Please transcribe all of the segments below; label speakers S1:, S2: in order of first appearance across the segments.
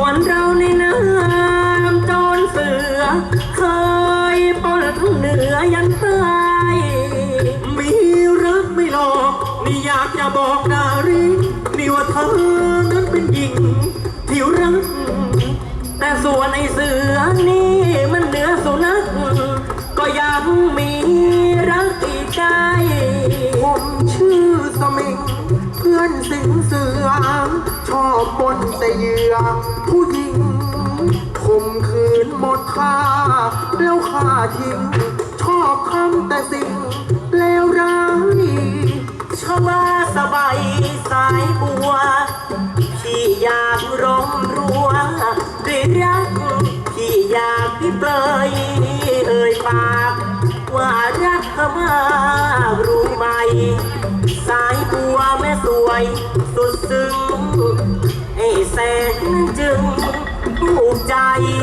S1: ส่วนเราในน้ำจนเสือเคยปล้นทั้งเหนือยันใต้
S2: มีรักไม่หลอกนี่อยากจะบอกนารีนี่ว่าเธอนั้นเป็นหญิงที่รัก
S1: แต่ส่วนไอ้เสือนี่มันเหนือสุนัขก็ยังมีรักอีกใจ
S3: ผมชื่อสมิงเพื่อนสิงเสือชอบบนแต่เหยื่อผู้หญิงข่มขืนหมดค่าแล้วฆ่าทิ้งชอบทำแต่สิ่งเลวร้าย
S1: ชบาสบายสายบัวพี่อยากร้องรัวด้วยรักพี่อยากพี่เปลยเอ่ยปากว่ารักเธอมากรู้ไหมสายบัวแม่สวยสุดซึ้งให้แสนจึงถูกใจ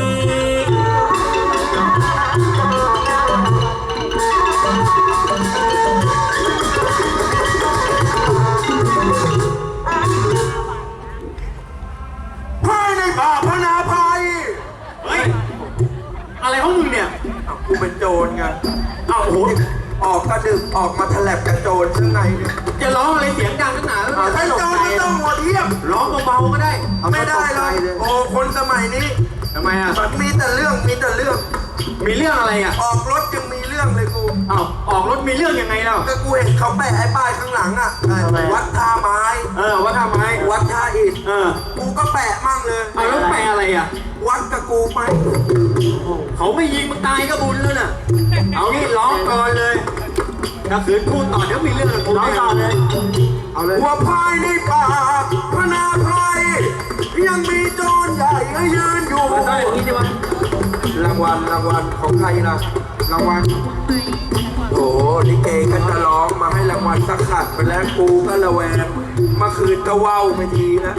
S3: ป่าพนาภัย
S2: เฮ้ยอะไรของมึงเนี่ย
S3: กูเป็นโจรไงโอ้โหออกกระดึกออกมาแถลบกับโจรข้างในเนี่ย
S2: จะร้องอะไรเสียงดังขนาดนั้น
S3: ใช้โจรไม่ต้องหัวเทียม
S2: ร้องเบาๆก็ได้
S3: ไม่ได้เลยโอ้คนสมัยนี้
S2: ทำไมอ่ะ
S3: มันมีแต่เรื่องมีแต่เรื่อง
S2: มีเรื่องอะไรอ่ะ
S3: ออกรถยังมีเรื่องเลยกู
S2: อ้าวออกรถมีเรื่องยังไงเล่า
S3: ก็กูเห็นเขาแปะไอ้ป้ายข้างหลังอ่ะวัดท่าไม้
S2: วัดท่าไม้
S3: วัดท่าอิฐกูก็แปะมั่งเลย
S2: เอาแล้วแปะอะไรอ่ะ
S3: วัดกับกูไหม
S2: เขาไม่ยิงมึงตายก็บุญแล้วน่ะเอางี้ร้องก่อนเลยถ้าขืนพูดต่อเดี๋ยวมีเรื่องกูร้องต่อเลย
S3: เอาเลยหัวพายในป่าพนาภัยยังมีโจรใหญ่ให้ยืนอยู่รางวัลของใครล่ะรางวัลโอ้ลิเกก็จะร้องมาให้รางวัลสักขัดไปแล้วกูก็ระแวงเมื่อคืนก็ว่าวไปทีนะ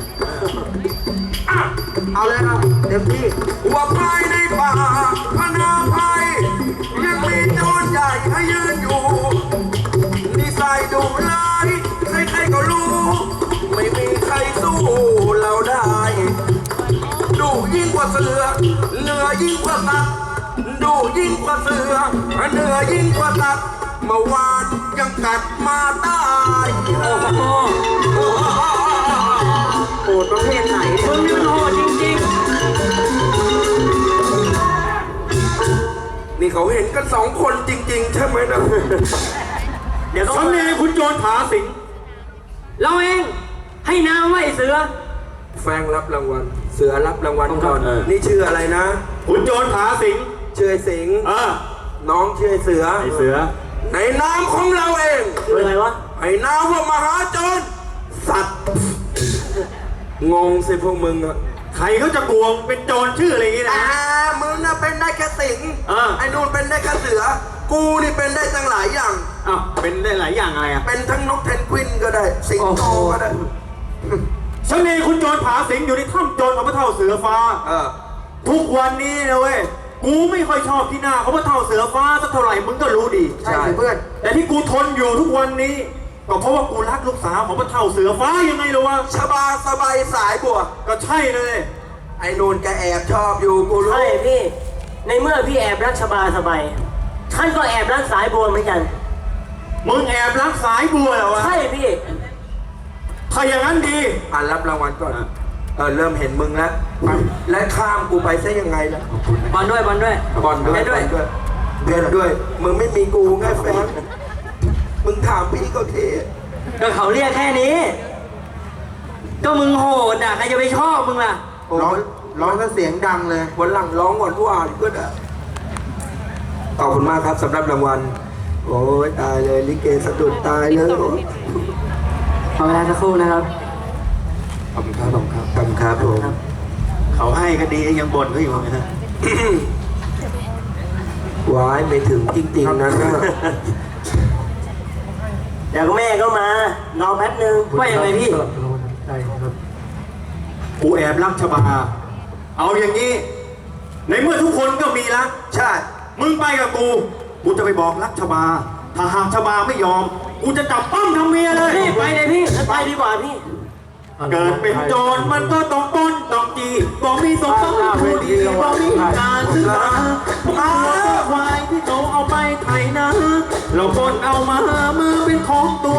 S3: เอาเลยนะเต็มที่หัวพายในป่าพนาภัยยังมีโจรใหญ่ให้ยืนอยู่นิสัยดุร้ายใครๆก็รู้ไม่มีใครสู้เราได้ดุยิ่งกว่าเสือเหนือยิ่งกว่าสัตว์ดุยิ่งกว่าเสือเหนือยิ่งกว่าสัตว์เมื่อวานยังกัดมาตาย
S1: โหดประเภทไหนมึงนี่มันโหดจริง
S3: ๆนี่เขาเห็นกัน2 คนจริงๆใช่ไหมนะ
S2: เดี๋ยวสำเนียงคุณโจรผาสิง
S1: เราเองให้นามว่าไอ้เสือ
S3: แฟงรับรางวัลเสือรับรางวัลก่อนนี่ชื่ออะไรนะ
S2: คุณโจรผาสิง
S3: ชื่อไอ้สิงน้องชื่อไอ้เสือในนามของเราเอง
S1: ชื่ออะไรวะ
S3: ไอ้นามว่ามหาโจรสัตว์งงสิพวกมึงอะ
S2: ใครเขาจะกวงเป็นโจรชื่ออะไรอย่างงี้นะ
S3: มึงน่ะเป็นได้แค่สิงไอ้นู่นเป็นได้แค่เสือกูนี่เป็นได้ตั้งหลายอย่าง
S2: เป็นได้หลายอย่างอะไร
S3: เป็นทั้งนกเพนกวินก็ได้สิงโตก็ได้
S2: ฉันเองคุณโจรผาสิงอยู่ในถ้ำโจรของพระเท่าเสือฟ้าทุกวันนี้นะเว้ยกูไม่ค่อยชอบที่หน้าเขาพระเท่าเสือฟ้าสักเท่าไหร่มึงก็รู้ดี
S3: ใช่เพื่อน
S2: แต่ที่กูทนอยู่ทุกวันนี้ก็เพราะว่ากูรักลูกสาวของพระเท่าเสือฟ้ายังไงล่ะวะ
S3: ชบาสบายสายบัว
S2: ก็ใช่เลย
S3: ไอ้นูนแกแอบชอบอยู่กูรู้
S1: ใช่พี่ในเมื่อพี่แอบรักชบาสบายฉันก็แอบรักสายบัวเหมือนกัน
S2: มึงแอบรักสายบัวเหรอวะ
S1: ใช่พี่
S2: ถ้าอย่างนั้นดี
S3: รับรางวัลก่อนเริ่มเห็นมึงแล้วและข้ามกูไปซะยังไงล่ะ
S1: บอลด้วย
S3: เบียดด้วยมึงไม่มีกูไงแฟนมึงถามพี่ก็เท
S1: ก็เขาเรียกแค่นี้ก็มึงโหดอ่ะใครจะไปชอบมึงล่ะ
S3: ร้องก็เสียงดังเลยวันหลังร้องก่อนผู้อ่านก็ได้ขอบคุณมากครับสำหรับรางวัลโอ้ยตายเลยลิเกสะดุดตายเลย
S1: ขอเวลาสักครู่นะครับ
S3: ขอบคุณครับผม
S2: เขาให้ก็ดียังบ่นก็อยู่นะ
S3: ว้ายไม่ถึงจริงๆนะ
S1: เดี๋ยวแม่ก็มารอแป๊บนึงว่ายังไงพี่
S2: กูแอบรักชบาเอาอย่างนี้ในเมื่อทุกคนก็มีรัก
S3: ใช่
S2: มึงไปกับกูจะไปบอกรักชบาถ้าหากชบาไม่ยอมกูจะจับปั้มทำเมียเลย
S1: พี่ไปเลยพี่ไปดีกว่าพี่
S2: เกิดเป็นโจรมันก็ต้องปล้นต้องจีบอกมีสมบัติผู้ดีบอกมีการศึกษาเอาควายที่เขาเอาไปไถนาเราปล้นเอามามือเป็นของตัว